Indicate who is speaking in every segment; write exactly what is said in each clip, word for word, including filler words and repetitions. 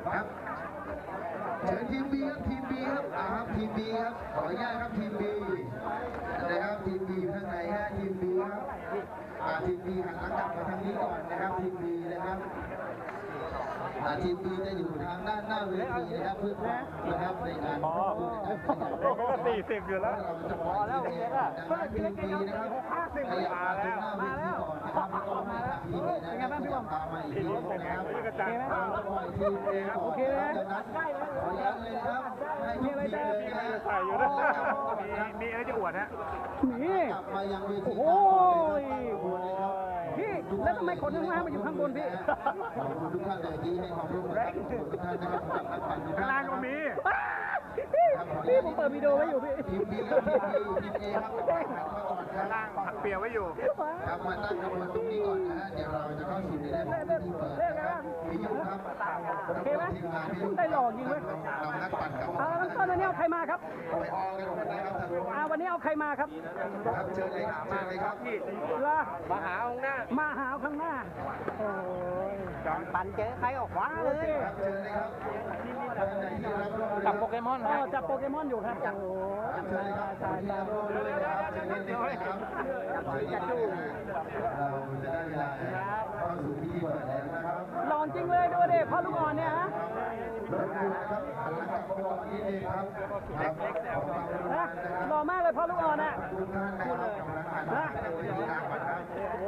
Speaker 1: ครับเชิญทีมบีครับทีมบีครับอ่าครับทีมบีครับขออนุญาตครับทีมบีนะครับทีมบีอยู่ข้างในฮะทีมบีครับอ่าทีมบีหันหลังกลับมาทางนี้ก่อนนะครับทีมบีนะครับทีมบีจะอยู่ทางด้านหน้าเวทีนะครับเพื่อนะครับในการพูดนะครับ
Speaker 2: สี่สิบอยู่แล้ว
Speaker 1: เราจะปล่อยทีมเอดังนั้นทีมบีนะครับขยับมาตรงหน้าเวทีก่อนนะครับแล้วก็ให้ทางทีมเอนะครับขยับตามมาอีกทีนะครับเราจะปล่อยทีมเอก่อนนะครับจากนั้นขออนุญาตเลยนะครับให้ทุกทีมเลยนะ
Speaker 2: ใส่อยู่นะมีอะไรจะอวดฮะ
Speaker 3: นี่
Speaker 1: กลับมายังเวที
Speaker 3: โอ้ยพี่แล้วทำไมคนข้างล่างมาอยู่ข้างบนพี่
Speaker 1: ขอบคุณทุกท่านเลยที่ให้ความร่วมมือกับทุกท่านนะครับสำหรับนักปั่นทุก
Speaker 2: ข้าง
Speaker 1: ท่าน
Speaker 2: ล่างก็มี
Speaker 3: พี่ผมเปิดวิดีโอไว้อยู่พี่
Speaker 1: ทีมบีและทีมบีทีมเอครับหันเข้าก่อนค
Speaker 2: ข้าง
Speaker 1: รับ
Speaker 2: ล่างผักเปียกไว้อยู่
Speaker 1: ครับมาตั้งขบวนตรงนี้ก่อนนะฮะเดี๋ยวเราจะเข้าสู่ในแรกของพิธีเปิดนะครับพี่ยุครับ
Speaker 3: โอเคไหม
Speaker 1: ทีมงานพี่ยุ
Speaker 3: ได้หลอกจริงไหม
Speaker 1: เรานักปั่นกับ
Speaker 3: เอาแล้วต้นวันนี้เอาใครมาครับ
Speaker 1: ไปออกันหมดนะครับท่านผู้ชม
Speaker 3: อ่าวันนี้เอาใครมาครับ
Speaker 1: ครับเชิญเลยครับเชิญเลยครับ
Speaker 3: ลา
Speaker 2: มาหาองหน้า
Speaker 3: มาหาข้างหน้าโอ้ยปั่นเจอใครออกขวาเลย
Speaker 1: ครับเชิญเลยครับท่านใดที่รับร่วมมือ
Speaker 2: จับโปเกมอน
Speaker 3: เออจับโปเกมอนอยู่ครับโอ้
Speaker 1: เชิญเลยครับคนที่รับร่วมมือนะครับเชิญนิดนึงนะครับเชิญนิดนึงนะเราจะได้เวลาเข้าสู่พิธีเปิดแล้วนะครับ
Speaker 3: หลอนจริงเลยดูดิพ่อลูกอ่อนเนี่ยฮะ
Speaker 1: รบกวนนะครับหันหลังกลับมาก่อนนิดนึงครับครับขอความกรุณา
Speaker 3: นะ
Speaker 1: นะครับ
Speaker 3: หล่อมากเลยพ่อลูกอ่อนอ่ะ
Speaker 1: ทุกท่านนะครับกำลังหันมาทางเวทีกลางก่อนครับ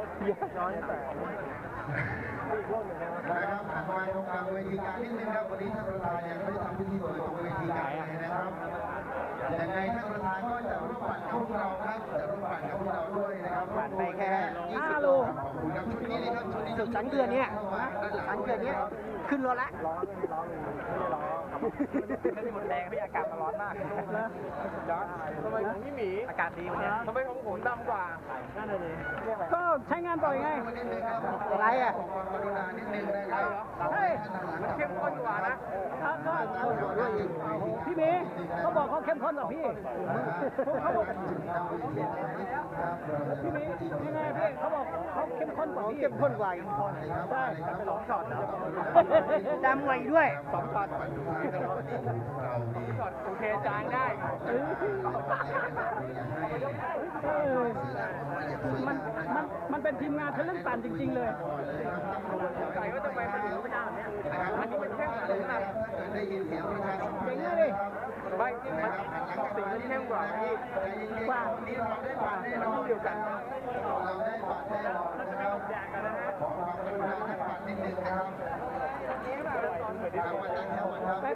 Speaker 1: นะครับหันมาตรงกลางเวทีกลางนิดนึงครับวันนี้ท่านประธานยังไม่ได้ทำพิธีเปิดตรงเวทีกลางเลยนะครับยังไงท่านประธานก็จะร่วมปั่นกับพวกเราครับจะร่วมปั่นกับพวกเราด้วยนะครับปั่นไปแค่
Speaker 3: ห้าโล
Speaker 1: ขอบคุณครับชุดนี้นะครับชุดนี้
Speaker 3: สุดสันเกลือเนี่ยสันเกลือเนี่ยขึ้นรถละ
Speaker 2: หมดแรงพี่อากาศมันร้อนมากย้อนทำไมของพี่หมีอากาศดีวันนี้ทำไมของผมดำกว่านั่นเลย
Speaker 3: ก็ใช้งานบ่อยไง
Speaker 1: นิดนึงครับ
Speaker 3: อะไรอ่ะ
Speaker 1: ขอความกรุณานิดนึงนะครับ
Speaker 3: เฮ้ย
Speaker 2: มันเข้มข้นกว่านะ
Speaker 3: พี่เมย์เขาบอกเขาเข้มข้นกว่าพี่เขาบอกพี่เมย์ยังไงพี่เขาบอกเขาเข้มข้นกว่าพี่เข้มข้นกว่าใช่
Speaker 2: สองช็อต
Speaker 3: ดำไวด้วย
Speaker 2: สองช็อตช็อตโอเคจางได้
Speaker 3: เออมันมันมันเป็นทีมงานเทเลนปั่นจริง ๆ เลย
Speaker 2: ใส่ว่าทำไมมันถึงไม่ได้เนี่ยอันนี้มันเข้มกว่าขนาด
Speaker 1: ได้ยินเสียงประชาสัมพั
Speaker 3: เก่
Speaker 1: น
Speaker 3: ง
Speaker 1: ธ์
Speaker 3: เลยดิ
Speaker 2: ไม่มันสีมันเข้มกว่าพี่
Speaker 3: กว่า
Speaker 1: วันนี้เราได้บัตรแน่นอนเดียวกัน เราได้บัตรแน่นอนนะครับขอความกรุณานักบัตรนิดนึงนะครับ